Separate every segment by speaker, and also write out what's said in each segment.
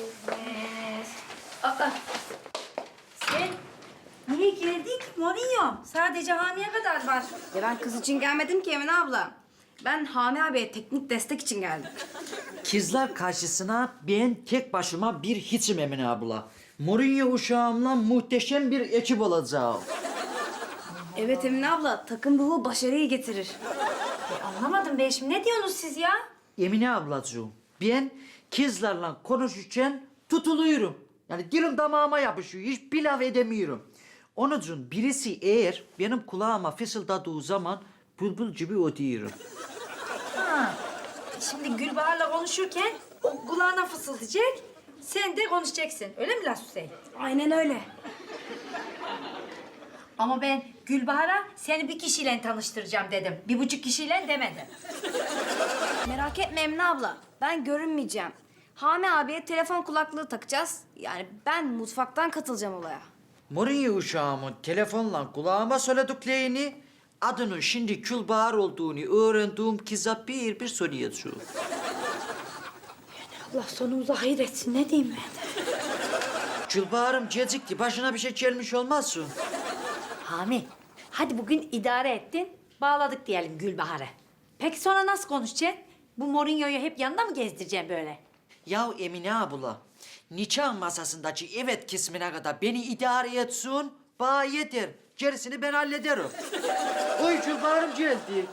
Speaker 1: Aa, sen niye geldin ki Mourinho? Sadece Hami'ye kadar var.
Speaker 2: Ya ben kız için gelmedim ki Emine abla. Ben Hami abiye teknik destek için geldim.
Speaker 3: Kızlar karşısına ben tek başıma bir hiçim Emine abla. Mourinho uşağımla muhteşem bir ekip olacağım.
Speaker 2: Evet Emine abla, takım ruhu başarıyı getirir.
Speaker 1: Anlamadım ben şimdi. Ne diyorsunuz siz ya?
Speaker 3: Emine ablacığım, ben kızlarla konuşurken tutuluyorum. Yani dilim damağıma yapışıyor, hiç bir laf edemiyorum. Onun için birisi eğer benim kulağıma fısıldadığı zaman bülbül gibi ötüyorum.
Speaker 1: Ha. Şimdi Gülbahar'la konuşurken o kulağına fısıldayacak. Sen de konuşacaksın. Öyle mi Hüseyin?
Speaker 2: Aynen öyle.
Speaker 1: Ama ben Gülbahar'a seni bir kişiyle tanıştıracağım dedim. 1,5 kişiyle demedim.
Speaker 2: Merak etme Emine abla, ben görünmeyeceğim. Hami abiye telefon kulaklığı takacağız. Yani ben mutfaktan katılacağım olaya.
Speaker 3: Mourinho uşağımın telefonla kulağıma söylediklerini, adının şimdi Külbahar olduğunu öğrendiğim kıza bir bir söyleyeceğim.
Speaker 1: Allah sonumuzu hayır etsin. Ne diyeyim ben?
Speaker 3: Külbahar'ım gecikti, başına bir şey gelmiş olmazsın.
Speaker 1: Hami, hadi bugün idare ettin. Bağladık diyelim Gülbahar'ı. Peki sonra nasıl konuşacaksın? Bu Mourinho'yu hep yanında mı gezdireceksin böyle?
Speaker 3: Ya Emine abla, nikah masasındaki evet kısmına kadar beni idare etsin, bana yeter. Gerisini ben hallederim. Oy Külbahar'ım geldi.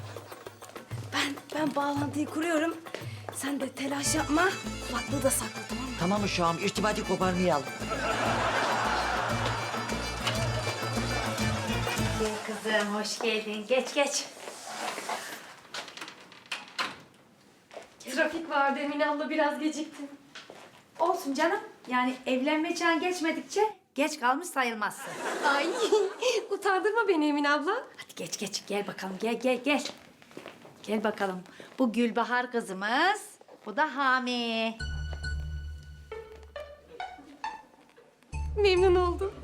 Speaker 2: Ben bağlantıyı kuruyorum. Sen de telaş yapma, kulaklığı da sakla, tamam mı?
Speaker 3: Tamam uşağım, irtibatı koparmayalım.
Speaker 1: Gel kızım, hoş geldin. Geç, geç.
Speaker 4: Trafik vardı Emine abla, biraz geciktim.
Speaker 1: Olsun canım. Yani evlenme çağın geçmedikçe geç kalmış sayılmazsın.
Speaker 4: Ay utandırma beni Emine abla.
Speaker 1: Hadi geç, geç. Gel bakalım, gel. Gel bakalım. Bu Gülbahar kızımız, bu da Hami.
Speaker 4: Memnun oldum.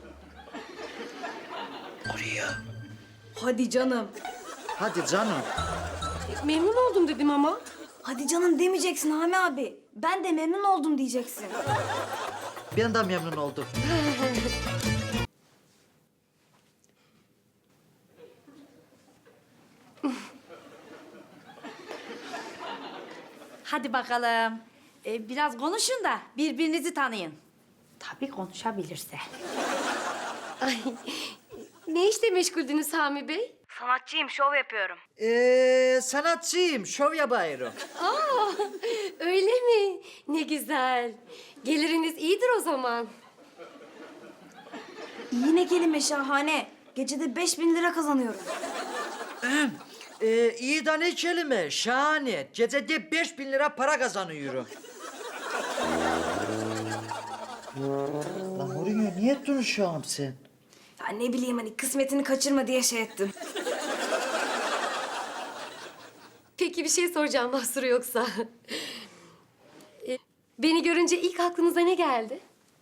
Speaker 3: Oraya.
Speaker 2: Hadi canım.
Speaker 3: Hadi canım.
Speaker 4: Memnun oldum dedim ama.
Speaker 2: Hadi canım demeyeceksin Hami abi. Ben de memnun oldum diyeceksin.
Speaker 3: Ben de memnun oldum.
Speaker 1: Hadi bakalım. Biraz konuşun da birbirinizi tanıyın. Tabii konuşabilirse.
Speaker 4: Ay ne işle meşguldünüz Sami Bey?
Speaker 2: Sanatçıyım, şov yapıyorum.
Speaker 3: Sanatçıyım, şov yapıyorum.
Speaker 4: Aa öyle mi? Ne güzel. Geliriniz iyidir o zaman.
Speaker 2: Yine kelime şahane. Gecede 5.000 lira kazanıyorum.
Speaker 3: İyi de ne kelime, şahane. Gecede 5.000 lira para kazanıyorum. Lan Mourinho niye ettin şu an sen?
Speaker 2: Ya ne bileyim hani kısmetini kaçırma diye şey ettim.
Speaker 4: Peki bir şey soracağım mahsuru yoksa. Beni görünce ilk aklınıza ne geldi?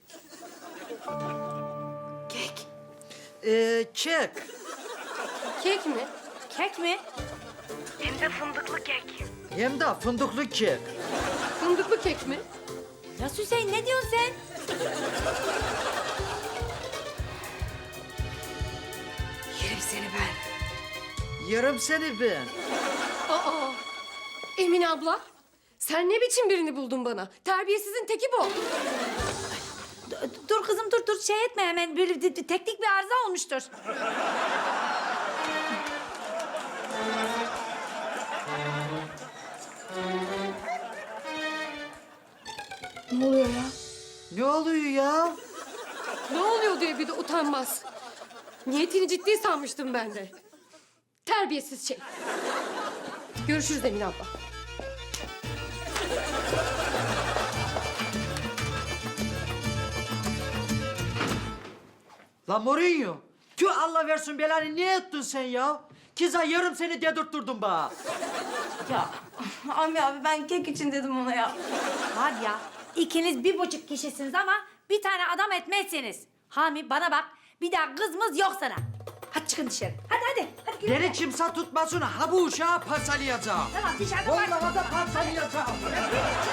Speaker 2: Kek.
Speaker 3: Kek.
Speaker 4: Kek mi?
Speaker 1: Kek mi?
Speaker 2: Hem de fındıklı kek.
Speaker 3: Hem de fındıklı kek.
Speaker 4: Fındıklı kek mi?
Speaker 1: Ya Hüseyin ne diyorsun sen?
Speaker 2: Yerim seni ben.
Speaker 3: Yerim seni ben.
Speaker 4: Aa Emine abla. Sen ne biçim birini buldun bana? Terbiyesizin teki bu.
Speaker 1: Dur kızım dur şey etme hemen böyle teknik bir arıza olmuştur.
Speaker 2: Ne oluyor ya?
Speaker 3: Ne oluyor ya?
Speaker 4: Ne oluyor diye bir de utanmaz. Niyetini ciddi sanmıştım ben de. Terbiyesiz şey. Görüşürüz Emine abla.
Speaker 3: Lan Mourinho, tüh Allah versin belanı ne ettin sen ya? Kıza yarım seni dedirtturdun bana.
Speaker 2: Ya Hami abi ben kek için dedim ona ya.
Speaker 1: Var ya ikiniz 1,5 kişisiniz ama bir tane adam etmezsiniz. Hami bana bak bir daha kızımız yok sana. Hadi çıkın dışarı. Hadi. Hadi girin.
Speaker 3: Beni kimse tutmasın, ha bu uşağı parçalayacağım.
Speaker 1: Tamam dışarıda var.
Speaker 3: Vallahi da parçalayacağım.